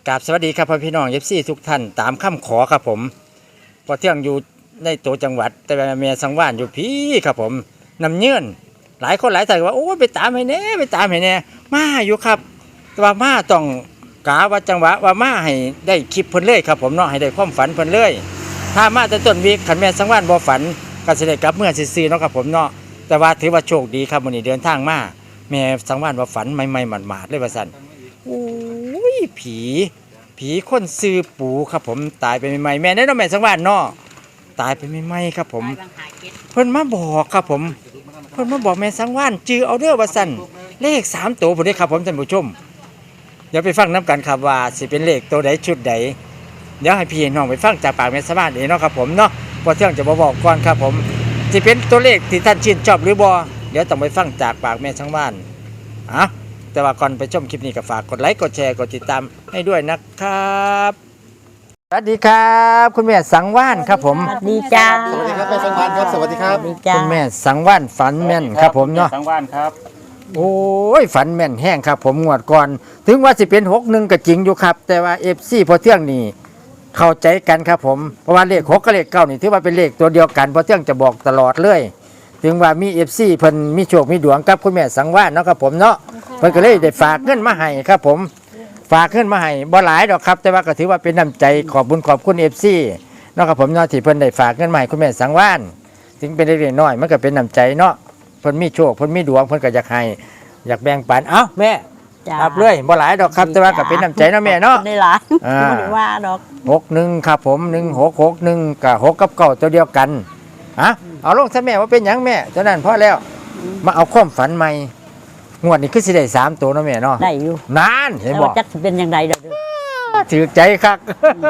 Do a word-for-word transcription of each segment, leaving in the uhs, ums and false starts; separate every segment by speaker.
Speaker 1: กราบสวัสดีครับพ่อพี่น้องเอฟซีทุกท่านตามคำขอครับผมพอเที่ยงอยู่ในตัวจังหวัดแต่เมียสังวานอยู่พี่ครับผมนำเงื่อนหลายคนหลายท่านว่าโอ้ไปตามให้แน่ไปตามให้แน่มาอยู่ครับแต่ว่ามาต้องกาว่าจังหวะว่ามาให้ได้คลิปเพิ่นเลยครับผมเนาะให้ได้ความฝันเพิ่นเลยถ้ามาแต่ต้นวีขันแม่สังวานบ่ฝันก็สิได้กลับเมื่อซื่อๆเนาะครับผมเนาะแต่ว่าถือว่าโชคดีครับวันนี้เดินทางมาแม่สังวานว่าฝันใหม่ๆหมาดๆเลยว่าซั่นโอ้ยผีผีคนซื้อปูครับผมตายไปใหม่ๆแม่ได้เนาะแม่สังวานเนาะตายไปใหม่ๆครับผมเพิ่นมาบอกครับผมเพิ่นมาบอกแม่สังวานจื้อเอาเด้อว่าซั่นเลขสามตัวพุ่นเด้ครับผมท่านผู้ชมเดี๋ยวไปฟังน้ำกันครับว่าสิเป็นเลขตัวใดชุดใดเดี๋ยวให้พี่น้องไปฟังจากปากแม่สังวานเองเนาะครับผมเนาะพอเที่ยงจะบ่บอกก่อนครับผมสิเป็นตัวเลขที่ท่านชื่นชอบหรือบ่เดี๋ยวต้องไปฟังจากปากแม่สังวานอ่ะแต่ว่าก่อนไปชมคลิปนี้ก็ฝากกดไลค์กดแชร์กดติดตามให้ด้วยนะครับสวัสดีครับคุณแม่สังวานครับผม
Speaker 2: สวัสดีจ้า
Speaker 3: สวัสดีครับแม่สังวานครับสวัสดีครับ
Speaker 2: สวัสดีจ้า
Speaker 1: คุณแม่สังวานฝันแม่นครับผมเนาะ
Speaker 4: สังวานครับ
Speaker 1: โอ้ยฝันแม่นแห้งครับผมงวดก่อนถึงว่าสิเป็นหกหนึ่งก็จริงอยู่ครับแต่ว่าเอฟซีพอเที่ยงนี่เข้าใจกันครับผมเพราะว่าเลขหกกับเลขเก้านี่ถือว่าเป็นเลขตัวเดียวกันพอเที่ยงจะบอกตลอดเลยถึงว่ามีเอฟซีเพิ่นมีโชคมีดวงกับคุณแม่สังวานเนาะครับผมเนาะเพิ่นก็เลยได้ฝากเงินมาให้ครับผมฝากเงินมาให้บ่หลายดอกครับแต่ว่าก็ถือว่าเป็นน้ำใจขอบบุญขอบคุณเอฟซีเนาะครับผมเนาะที่เพิ่นได้ฝากเงินมาให้คุณแม่สังวานถึงเป็นเล็กๆน้อยๆมันก็เป็นน้ำใจเนาะเพิ่นมีโชคเพิ่นมีดวงเพิ่นก็อยากให้อยากแบ่งปันเอ้าแม่
Speaker 2: จ้า
Speaker 1: รับเลยบ่หลายดอกครับแต่ว่าก็เป็นน้ำใจเนาะแม่เนาะ
Speaker 2: ได้หลาย
Speaker 1: อ่า
Speaker 2: ไม่ได้ว่าดอก
Speaker 1: หกหนึ่งครับผมหนึ่งหกหกหนึ่งกับหกกับเก้าตัวเดียวกันฮะเอาลงซะแม่ว่าเป็นหยังแม่เท่านั้นพอแล้วมาเอาความฝันใหม่งวดนี้คือสิได้สามตัวเนาะแม่เนาะ
Speaker 2: ได้อยู่
Speaker 1: นานเห็น
Speaker 2: แต่
Speaker 1: บอ
Speaker 2: ว่าก จักสิเป็นยังไงเด้อเด้อ
Speaker 1: ถือใจคัก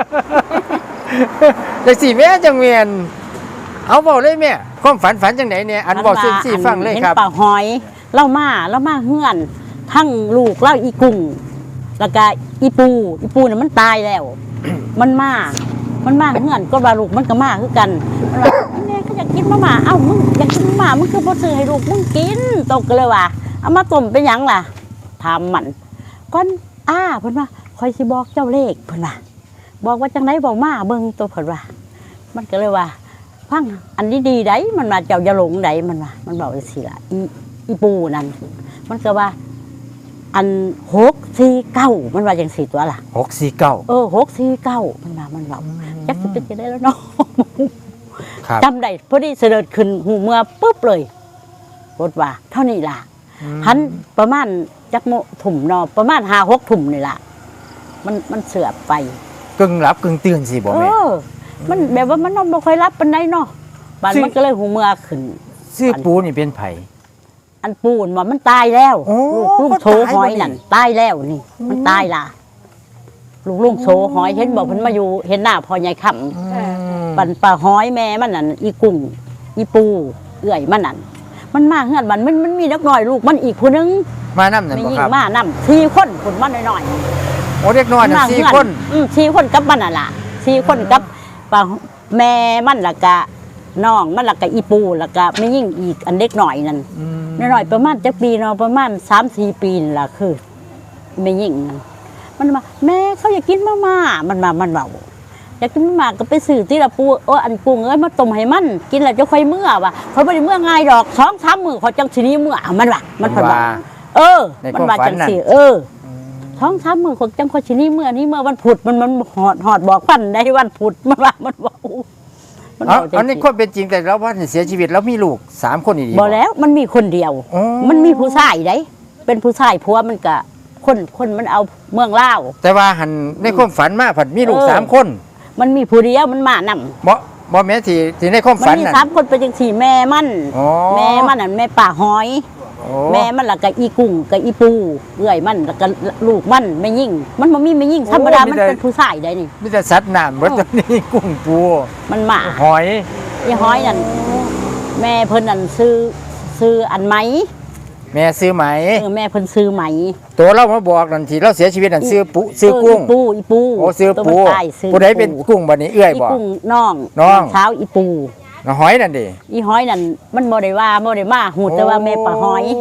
Speaker 1: แต่สี่แม่จังเวียนเอาบอกเลยแม่ความฝันฝันจังไหนเนี่ยอันบอกซึ่งสี่ฟังเลยครับ
Speaker 2: เห็นปลาหอยเล่ามาเล่ามาเฮือน ทั้งลูกเล่าอีกุ้งแล้วก็อีปูอีปูเนี่ยมันตายแล้ว มันมา มันมาเฮือนก็ว่าลูกมันก็มาคือกันมันว่าแม่ก็อยากกินมาม่าเอ้ามึงอยากกินมาม่ามึงคือบ่ซื้อให้ลูกมึงกินตกเลยว่าเอามาต้มเป็นหยังล่ะถามมันก่อนอ้าเพิ่นว่าคอยสิบอกเจ้าเลขเพิ่นว่าบอกว่าจังไดบอกมาเบิ่งตัวเพิ่นว่า มันก็เลยว่าฟังอันนี้ดีไดมันว่าเจ้าอย่าหลงไดมันว่ามันบอกจังซี่ล่ะอีอีปูนั่นมันก็ว่า อันหกสี่เก้ามันว่าจังสี่ตัวล่ะ
Speaker 1: หกสี่เก้า
Speaker 2: เออหกสี่เก้ามันว่ามันว่าจักสิเป็นจะได้แล้วเนาะ
Speaker 1: ครับ
Speaker 2: จำได้พอดีเสด็จขึ้นหูเมื่อปุ๊บเลยรถว่าเท่านี้ล่ะหันประมาณจักโมถุ่มเนาะประมาณห้าหกถุ่มนี่ล่ะมันมันเสือบไป
Speaker 1: กึ่งหลับกึ่งตื่นสิบอก
Speaker 2: เอ
Speaker 1: แม่
Speaker 2: อ มันแบบว่ามันนอนบ่ค่อยรับปานใดเนาะบัด
Speaker 1: ซึ่ง
Speaker 2: มันก็เลยหูเมื่อขึ้น
Speaker 1: ซื้อปูนี่เป็นไผ
Speaker 2: อันปูนว่ามันตายแล้ว
Speaker 1: โอ้
Speaker 2: ลูกลุงโชหอยนั่นตายแล้วนี่ มันตายล่ะลูกลุงโชหอยเห็นบอกเพิ่นมาอยู่เห็นหน้าพ่อใหญ่ค่ำ ปั่นปลาห้อยแม่มันนั่นอีกุ้งอีปูเอื่อยมันนั่นมันมาเฮือนมันมันมันมีนักหน่อยลูกมันอีกคนนึง
Speaker 1: มานั่นั่น
Speaker 2: ไม่
Speaker 1: บ่
Speaker 2: ยิ่
Speaker 1: ค
Speaker 2: ง
Speaker 1: รับ
Speaker 2: มานำสี่คนคนมันน้อย
Speaker 1: โอ้เด็กน้อย
Speaker 2: ๆ
Speaker 1: น่ะ
Speaker 2: มา
Speaker 1: สี่
Speaker 2: เฮือ
Speaker 1: คน
Speaker 2: อืมสี่คนกับมันน่ะล่ะสี่คนกับปลาแม่มันและกะน้องมันและกะอีปูและกะไม่ยิ่งอีกอันเด็กหน่อยนั่นน้อยๆประมาณจักปีเนาะประมาณสามสี่ปีนี่ล่ะคือไม่ยิ่งนั่นมันมาแม่เขาอยากกินมาม่ามันมามันเบาอยากกินมาม่าก็ไปซื้อที่ละปูโอ้อันกุ้งเอ้ยมาต้มให้มันกินแล้วจะค่อยเมื่อว่ะเขาไม่ได้เมื่อง่ายดอกสองสามมือเขาจังทีนี้เมื่อมันว่ะมันผ่อนว่าเออ มันว่าจังสิเออท้องสามมือเขาจังเขาทีนี้เมื่อนี้เมื่อวันพุธมันมันหอดหอดบอกพันได้วันพุธมันว่ามันว่ามัน
Speaker 1: เอา
Speaker 2: ว่าจัง
Speaker 1: อันนี้
Speaker 2: สิ
Speaker 1: ความเป็นจริงแต่เราว่าเสียชีวิตแล้วมีลูกสามคนอีก
Speaker 2: บอกแล้วมันมีคนเดียว
Speaker 1: อ๋อ
Speaker 2: มันมีผู้ชายได้เป็นผู้ชายผัวมันก็คนคนมันเอาเมืองลาว
Speaker 1: แต่ว่าหันในความฝันมาผัดมีลูก
Speaker 2: เออ
Speaker 1: สามคน
Speaker 2: มันมีผู้เดียวมันมานำ
Speaker 1: บ่บ่แม่นที่ที่ในความ
Speaker 2: มัน
Speaker 1: ฝัน
Speaker 2: มี
Speaker 1: น่ะ
Speaker 2: สามคนเป็นจังสี่แม่มัน
Speaker 1: อ๋อ
Speaker 2: แม่มันน่ะแม่ป่าหอย
Speaker 1: โอ้
Speaker 2: แม่มันละกับอีกุ้งกับอีปูเอื้อยมันแล้วก็ลูกมันไม่ยิ่ง มันบ่มีไม่ยิ่งธรรมดามันเป็นผู้ชายได้นี่
Speaker 1: มีแต่สัตว์น้ำเบิดตัวนี้กุ้งปู
Speaker 2: มันมา
Speaker 1: หอย
Speaker 2: อีหอยนั่นแม่เพิ่นนั่นซื้อซื้ออันไหม
Speaker 1: แม่ซื้อไหม
Speaker 2: เออแม่เพิ่นซื้อไหม
Speaker 1: ตัวเรามาบอกนั่นที่เราเสียชีวิตนั่นซื้อปูซื้อกุ้ง
Speaker 2: เอีปูอีปู
Speaker 1: โอ้ซื้อ
Speaker 2: ตัว
Speaker 1: ปู
Speaker 2: มันตายซื้อ
Speaker 1: ผู้ใดเป็นกุ้งบัดนี้เอื้อย
Speaker 2: อี
Speaker 1: บ่
Speaker 2: กุ้งน้อง
Speaker 1: น้อง
Speaker 2: เช้าอีปู
Speaker 1: น้องหอยนั่นดิ
Speaker 2: อีหอยนั่นมันบ่ได้ว่าบ่ได้มาหูแต่ว่าแม่ปลาหอย
Speaker 1: โ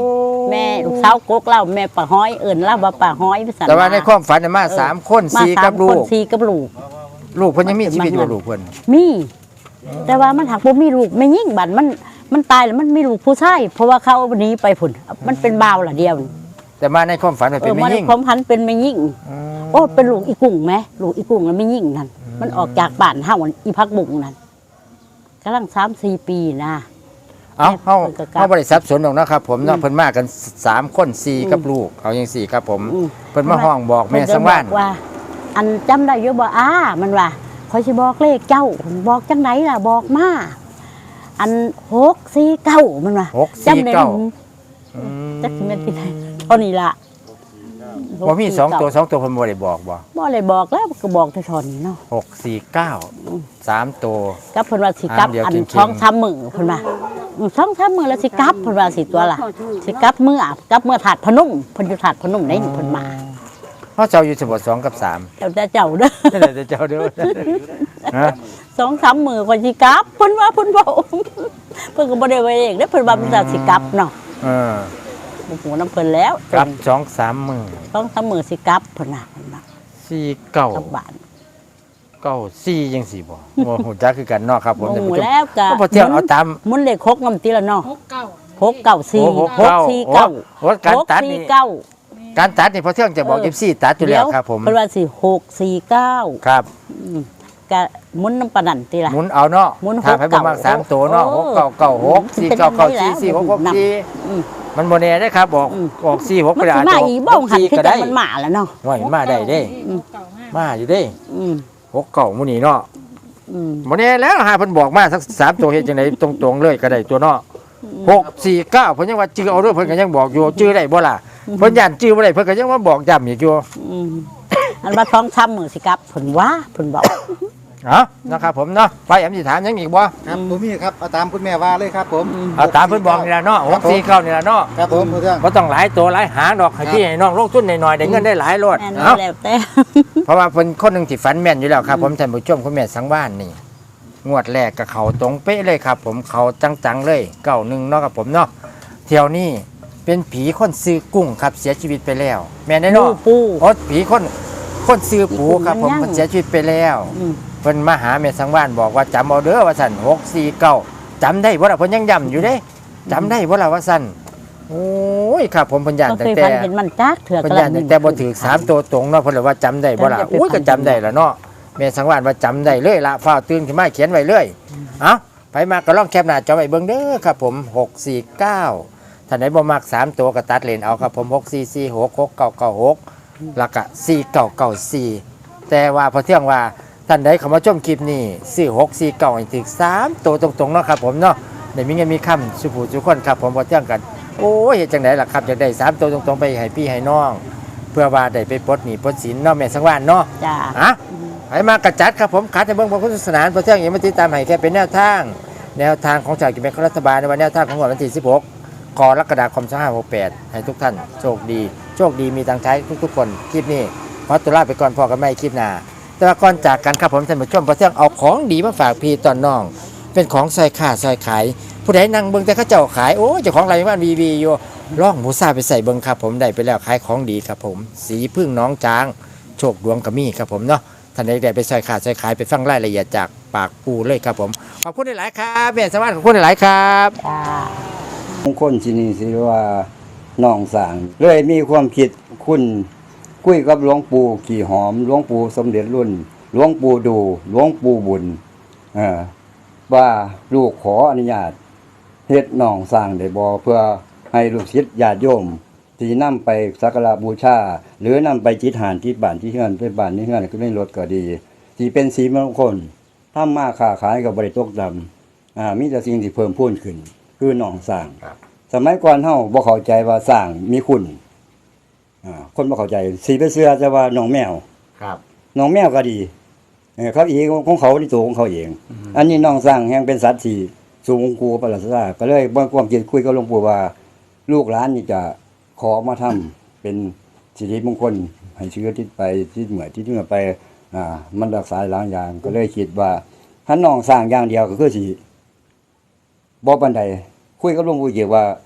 Speaker 2: แม่ลูกสาวกกเล่าแม่ป้าห้อยเอิ้นเล่าว่าป้าห้อยว่าซั่น
Speaker 1: แต่ว่าในความฝันน่ะมาสามคน
Speaker 2: มา
Speaker 1: สี่
Speaker 2: สา
Speaker 1: กั
Speaker 2: ม
Speaker 1: บลู
Speaker 2: คน
Speaker 1: ก
Speaker 2: สี่กับลูก
Speaker 1: ลูกเพิ่นยังมีชีวิตอยู่บ่ลูกเพิ่น
Speaker 2: มี แต่ว่ามันหักบ่มีลูกไม่ยิ่งบัดมันมันตายแล้วมันมีลูกผู้ชายเพราะว่าเขาเอาหนีไปพุ่นมันเป็นบ่าวล่ะเดียวนี่
Speaker 1: แต่มาในความฝันมัน
Speaker 2: เอ
Speaker 1: เป็น
Speaker 2: อ
Speaker 1: ไม่
Speaker 2: มัน
Speaker 1: ยิ่ง
Speaker 2: ความพันเป็นไม่ยิ่ง
Speaker 1: อืม
Speaker 2: โอ้เป็นลูกอีกุ้งไหมลูกอีกุ้งแล้วไม่ยิ่งนั่นมันออกจากบ้านเฮาอีพักบุ้งนั่นกำลังสามสี่ปีนะ
Speaker 1: เอ้าเฮา
Speaker 2: เพิ่นก็กลับ
Speaker 1: เฮาบ่ได้สับสนหรอกนะครับผมเนาะเพิ่นมากันสามคนสี่กับลูกเอาจังซี่ครับผม
Speaker 2: อืม
Speaker 1: เพิ่นมาห้องบอกแม่
Speaker 2: เพิ่นก็
Speaker 1: สังวาน
Speaker 2: บอกว่า อันจำได้อยู่บ่อ้ามันว่าคอยสิบอกเลขเจ้าบอกจังไหนล่ะบอกมาอันหกสี่เก้ามันว่า
Speaker 1: หกสี่เก้า
Speaker 2: จำได้
Speaker 1: อืม
Speaker 2: จักสิแม่นที่ไหนเท่านี้ล่ะ
Speaker 1: บ่มีสองตัวสองตัวเพิ่นบ่ได้บอกบ่
Speaker 2: บ่เลยบอกแล้วก็บอกแต่เท่านี้เนาะ
Speaker 1: หกสี่เก้าสามตัว
Speaker 2: กับเพิ่นว่าสิกลับ
Speaker 1: อ่าเดี๋ยว
Speaker 2: อัน
Speaker 1: จริงๆ
Speaker 2: ช่องซ้ำมือเพิ่นว่าอืมช่องซ้ำมือแล้วสิกลับเพิ่นว่าสิตัวล่ะสิกลับเมื่อกลับเมื่อถาดพนมเพิ่นอยู่ถาดพนมได้นี่เพิ่นมา
Speaker 1: เฮาเจ้าอยู่สมบสองกับสาม
Speaker 2: เจ้าแต่เจ้าเด้อ
Speaker 1: นั่นแหละเจ้าเด้อฮะ
Speaker 2: สองสามมือก่อนสิกลับเพิ่นว่าเพิ่นบอกเพิ่นก็บ่ได้ไว้เองเด้อเพิ่นว่าเพิ่นจะสิกลับเนาะ
Speaker 1: เออ
Speaker 2: บ่ฮู้นํเพิ่นแล้ว
Speaker 1: ครับสองสามมื้อ
Speaker 2: สองสามมือสิกลับเพิ่นน่ะเพิ่นว่า
Speaker 1: สี่เก้าก
Speaker 2: ลับบ้าน
Speaker 1: เก้าสี่จังซี่บ่บ่ฮู้จักคือกันเนาะครับผม
Speaker 2: บ่
Speaker 1: ท่าน
Speaker 2: ฮู้
Speaker 1: ผู้ชม
Speaker 2: แล้วก็
Speaker 1: ก็พอเที่ยวเอาตาม
Speaker 2: หมุนเลขหกนำติละเนาะ
Speaker 4: หกเก้า
Speaker 2: หกเก้าสี่
Speaker 1: โอ้หก
Speaker 2: หก
Speaker 1: เก้า
Speaker 2: สี่เก้า
Speaker 1: โอ้การตัดนี่
Speaker 2: หกสี่เก้า
Speaker 1: การตัดนี่พอเที่ยงจะบอก
Speaker 2: เออ
Speaker 1: เอฟซีตัดอยู่แล้วครับผม
Speaker 2: เพิ่นว่าสิหกสี่เก้า
Speaker 1: ครับ
Speaker 2: อืมก็หมุนน้ำปานนันติล่ะ
Speaker 1: หมุนเอาเนาะ
Speaker 2: หมุน
Speaker 1: ถ้าให้บ่มากสามตัวเนาะ
Speaker 2: เอ
Speaker 1: ห
Speaker 2: อก
Speaker 1: เก้าเก้าหกสี่เก้าเก้าสี่สี่หกหกสี่
Speaker 2: อืม
Speaker 1: มันบ่แน่ได้ครับบอก
Speaker 2: อืม
Speaker 1: ออกสี่หก
Speaker 2: มัน
Speaker 1: ก็ได้
Speaker 2: สิ
Speaker 1: อาจ
Speaker 2: มา
Speaker 1: จะ
Speaker 2: อีก
Speaker 1: อ
Speaker 2: บ้อ
Speaker 1: อง ก
Speaker 2: หัน
Speaker 1: สี่
Speaker 2: ที่
Speaker 1: ก็
Speaker 2: แต่
Speaker 1: ได้
Speaker 2: มันมาแล้วเนาะ
Speaker 1: ว่าเห็นมาได้เด้
Speaker 4: หกเก้าห้า
Speaker 1: มาอยู่เด้
Speaker 2: อืม
Speaker 1: หกเก้าหมื้นี้เนาะ
Speaker 2: อืม
Speaker 1: บ่แน่แล้วหาเพิ่นบอกมาสักสามตัวเฮ็ดจังไดตรงๆเลยก็ได้ตัวเนาะหกสี่เก้าเพิ่นยังว่าจื้อเอาเด้อเพิ่นก็ยังบอกอยู่จื้อได้บ่ล่ะเพิ่นย่านจื้อบ่ได้เพิ่นก็ยังมาบอกย้ำอีกอยู่
Speaker 2: อืมอันว่าท้องช้ำมือสิครับเพิ่นว่าเพิ่นบอก
Speaker 1: เอ้านะครับผมเนาะไปแอมสิถามหยังอีกบ่
Speaker 3: ครับผมมีครับเอาตามคุณแม่ว่าเลยครับผม
Speaker 1: เอาตามเพิ่นบอกนี่ล่ะเนาะหกสี่เก้านี่ล่ะเนาะ
Speaker 3: ครับผมผู้เรื่อง
Speaker 1: บ่ต้องหลายตัวหลายหางดอกให้พี่ให้น้องลงทุนหน่อยๆได้เงินได้หลายโลด
Speaker 2: แม่น
Speaker 1: เอ้า
Speaker 2: แล้วแต่
Speaker 1: เพราะว่าเพิ่นคนหนึงที่ฝันแม่นอยู่แล้วครับผมท่านผู้ชมคุณแม่สังวานนี่งวดแรกกับเขาตรงเป๊ะเลยครับผมเขาจังๆเลยเก้าหนึ่งเนาะครับผมเนาะเที่ยวนี้เป็นผีคนซื้อกุ้งครับเสียชีวิตไปแล้ว แม่นได้
Speaker 2: ปู
Speaker 1: เนาะ
Speaker 2: ปู
Speaker 1: โอ้ผีคนคนซื้อปูครับผม
Speaker 2: มันยัง
Speaker 1: เพิ่นเสียชีวิตไปแล้ว
Speaker 2: อืม
Speaker 1: เพิ่นมาหาแม่สังวานบอกว่าจำเอาเด้อว่าซั่นหกสี่เก้าจำได้บ่ล่ะเพิ่นยังย้ำอยู่เด้จำได้บ่ล่ะว่าซั่นโอ้ยครับผมเพิ่นย่าน
Speaker 2: ก็
Speaker 1: ตั้
Speaker 2: เค
Speaker 1: ง
Speaker 2: ย
Speaker 1: แต่
Speaker 2: ฝันเห็นมันจักเถื่อ
Speaker 1: เพิ่น
Speaker 2: กระ
Speaker 1: ย่านตั้งแต่บ่ถือสามตัวตรงเนาะเพิ่นเลยว่าจำได้บ่ล่ะ
Speaker 2: จำได้
Speaker 1: อุ้ยก็จำได้ล่ะเนาะแม่สังวานว่าจำได้เลยละฟ้าวตื่นขึ้นมาเขียนไว้เลยเอ้าไปมาก็ลองแคปหน้าจอไว้เบิ่งเด้อครับผมหกสี่เก้าท่านไหนบ่มักสามตัวก็ตัดเลนเอาครับผมหกสี่สี่หก หกเก้าเก้าหกแล้วก็สี่เก้าเก้าสี่แต่ว่าพอเที่ยงว่าท่านใดเข้ามาชมคลิปนี้ซื้อหกสี่เก้าให้ถึงสามตัวตรงๆเนาะครับผมเนาะได้มีเงินมีคำสุผู้ทุกคนครับผมพอเที่ยงกันโอ้ยเฮ็ดจังไดล่ะครับอยากได้สามตัวตรงๆไปให้พี่ให้น้อง เพื่อว่าได้ไปปลดหนี้ปลดสินเนาะแม่สังวานเนาะ
Speaker 2: จ้า
Speaker 1: อ่ะไปมากระจัดครับผมขัดในเบื้องพระพุทธศาสนาพระเจ้าอย่างมาติดตามให้แค่เป็นแนวทาง แนวทางของจากกิจการรัฐบาลในวันแนวทางของวันที่สิบหกกรกฎาคมสองพันห้าร้อยหกสิบแปดให้ทุกท่านโชคดี โชคดีมีตังใช้ทุกๆคนคลิปนี้ขอตัวลาไปก่อนพอกันไม่คลิปหน้าแต่ว่าก่อนจากกันครับผมท่านผู้ชมพระเจ้าเอาของดีมาฝากพี่ตอนน้อง เป็นของซอยขาซอยขาย ผู้ใดนั่งเบิ่งแต่เขาเจ้าขายโอ้เจ้าของไรบ้านวีวีอยู่ล่องหมูซาไปใส่เบิ่งครับผมได้ไปแล้วขายของดีครับผม สีพึ่งน้องจาง โชคดวงกระมี่ครับผมเนาะท่านใดได้ไปซอยขาซอยขายไปฟังรายละเอียดจากปากปูเลยครับผมขอบคุณหลายๆครับแม่สวัสดิ์ขอบคุณหลายๆครับ
Speaker 2: จ้า
Speaker 5: มงคลที่นี่สิว่าน้องสาง เลยมีความคิดคุณคุยกับหลวงปู่ขี่หอมหลวงปู่สมเด็จรุ่นหลวงปู่ดูหลวงปู่บุญเออว่าลูกขออนุญาตเฮ็ดน้องสร้างได้บ่เพื่อให้ลูกศิษย์ญาติโยมที่นำไปสักการะบูชา หรือนำไปจิตหานที่บ้านที่เฮือนไปบ้านที่เฮือนก็ได้รถก็ดีที่เป็นสีมงคลทำมาค้าขายก็บ่ได้ตกดำอ่ามีแต่สิ่งที่เพิ่มพูนขึ้น คือน้องสร้าง สมัยก่อนเฮาบ่เข้าใจว่าสร้างมีคุณอ่าคนบ่เข้าใจสิไปเชื่อจะว่าน้องแมว
Speaker 1: ครับ
Speaker 5: น้องแมวก็ดีเออเขาอีกของเขาที่ตัวของเขาเอง อันนี้น้องสร้างแห่งเป็นสัตว์ที่สูงกูประหลาดซาก็เลยบ่ความคิดคุยกับหลวงปู่ว่า ลูกหลานนี่จะขอมาทำเป็นสิริมงคลให้เชื้อที่ไปที่เหมือที่เหนือไปอ่ามันรักษาหลายอย่างก็เลยคิดว่าถ้าน้องสร้างอย่างเดียวก็คือสิบ่ปานใดคุยกับหลวงปู่เกี่ยวว่า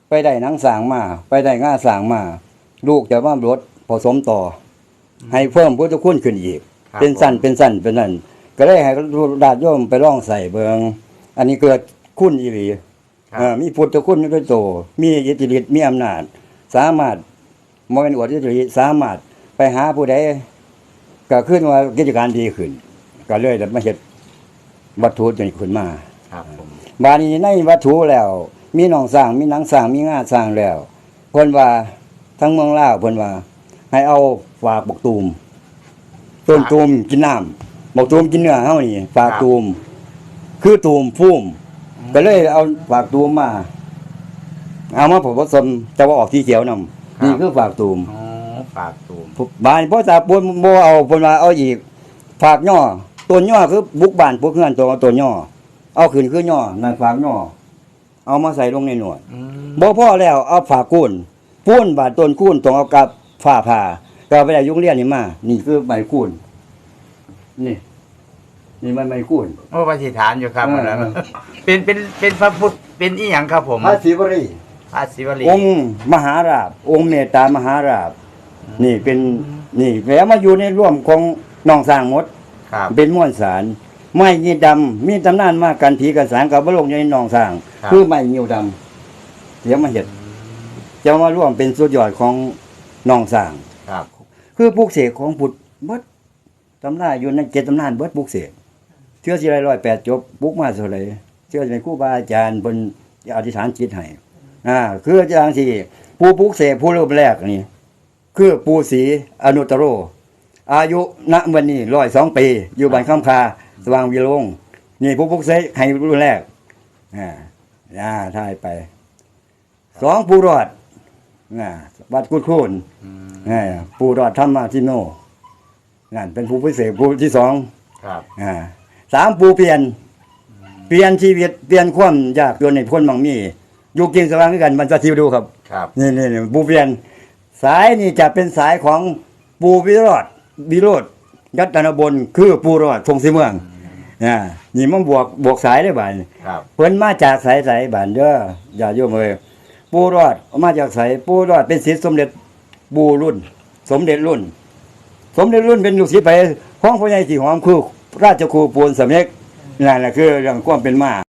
Speaker 5: ไปได้หนังสางมาไปได้ง่าสางมา ลูกจะว่ารถผสมต่อ ให้เพิ่มพุทธคุณขึ้นอีก
Speaker 1: ครับ
Speaker 5: เป็นสั้นเป็นสั้นเป็นนั่นก็ได้ให้ญาติโยมไปร่องใส่เบิงอันนี้เกิดคุณอีหลี
Speaker 1: ครับ
Speaker 5: เอ่อมีพุทธคุณด้วยโตมีอิทธิฤทธิ์มีอำนาจ สามารถมองเป็นอวดอิทธิฤทธิ์สามารถไปหาผู้ใดก็ขึ้นว่ากิจการดีขึ้น ก็เลยได้มาเฮ็ดวัตถุจนขึ้นมา
Speaker 1: ครับผม
Speaker 5: บาดนี้ในวัตถุแล้ว มีหนองสร้างมีหนังสร้างมีงาสร้างแล้วเพิ่นว่าทั้งเมืองลาวเพิ่นว่า ให้เอาฝากบักตูมต้นตูมกินน้ำบักตูมกินเนื้อเฮานี่ฝากตูมคือตูมพุ่มก็เลยเอาฝากตูมมา เอามาผสมจะว่าออกสีเขียวนำนี่คือฝากตูม
Speaker 1: อ๋อฝากตูม
Speaker 5: บานพ่อตาปนบ่เอาเพิ่นว่าเอาอีกฝากย่อต้นย่อคือบุกบ้านพวกเฮือนตัวต้นย่อเอาขึ้นคือย่อนั่นฝากย่อเอามาใส่ลงในหนวด
Speaker 1: อืม
Speaker 5: บ่พอแล้วเอาฝากกุ้นปูนบาดต้นกุ้นต้องเอากับฝ้าผ่าก็เอาไปได้ยุงเรียนนี่มานี่คือไม้กุ้นนี่ นี่มันไม้กุ้น
Speaker 1: โอ้ปฏิฐานอยู่ครับ
Speaker 5: เออ
Speaker 1: อันนั้นเป็นเป็นเป็นพระพุทธเป็นอีหยังครับผม
Speaker 5: พระศิวรี
Speaker 1: พระศิวลี
Speaker 5: องค์มหาราชองค์เมตตามหาราชนี่เป็นนี่แล้วมาอยู่ในร่วมของน้องสร้างหมด
Speaker 1: ครับ
Speaker 5: เป็นม้วนสารไม้ยีดำมีตำนานมากกันผีกันสางกับบลงในหนองสร้าง
Speaker 1: ครับ
Speaker 5: คือไม้ยิวดำเดี๋ยวมาเห็ดจะมาร่วมเป็นสุดยอดของหนองสร้าง
Speaker 1: ครับ
Speaker 5: คือปลูกเสกของพุทธเบิดตำนานอยู่ในเจ็ดตำนานเบิดปลูกเสกเชื่อสิไรร้อยแปดจบปลูกมาเท่าไหร่เชื่อสิเป็นครูบาอาจารย์บนอธิษฐานจิตให้อ่าคืออาจารย์ที่ผู้ปลูกเสกผู้รูปแรกนี่คือปู่ศรีอนุตตโร อายุณวันนี้ร้อยสองปี อยู่บ้านคำคาสว่างวิโรงนี่ผู้พุกเสกให้รุ่นแรกอ่าอ่าท่ายไปสองผู้รอดอ่าวัดกุดคูน
Speaker 1: อืม
Speaker 5: อ่าผู้รอดธรรมาทิโนนั่นเป็นผู้พิเศษผู้ที่สอง
Speaker 1: ครับ
Speaker 5: อ่าสามผู้เปลี่ยน เปลี่ยนชีวิตเปลี่ยนความยากจนในพ้นบางมีอยู่กินสว่างด้วยกันมันจะทิวดูครับ
Speaker 1: ครับ
Speaker 5: นี่นี่นี่ปูเปลี่ยนสายนี่จะเป็นสายของปูวิโรธวิโรธยัตนบลคือปูรอดทงสีเมืองอ่านี่มันบวกบวกสายได้บ่าย
Speaker 1: ครับ
Speaker 5: เพิ่นมาจากสายสายบ้านเด้ออย่าโยมเอ้ยปูรอดมาจากสายปูรอดเป็นศิษย์สมเด็จปูรุ่น สมเด็จรุ่น สมเด็จรุ่นเป็นลูกศิษย์ไปของพ่อใหญ่ที่หอมคือราชครูปูนสำเร็จนั่นแหละคือเรื่องความเป็นมา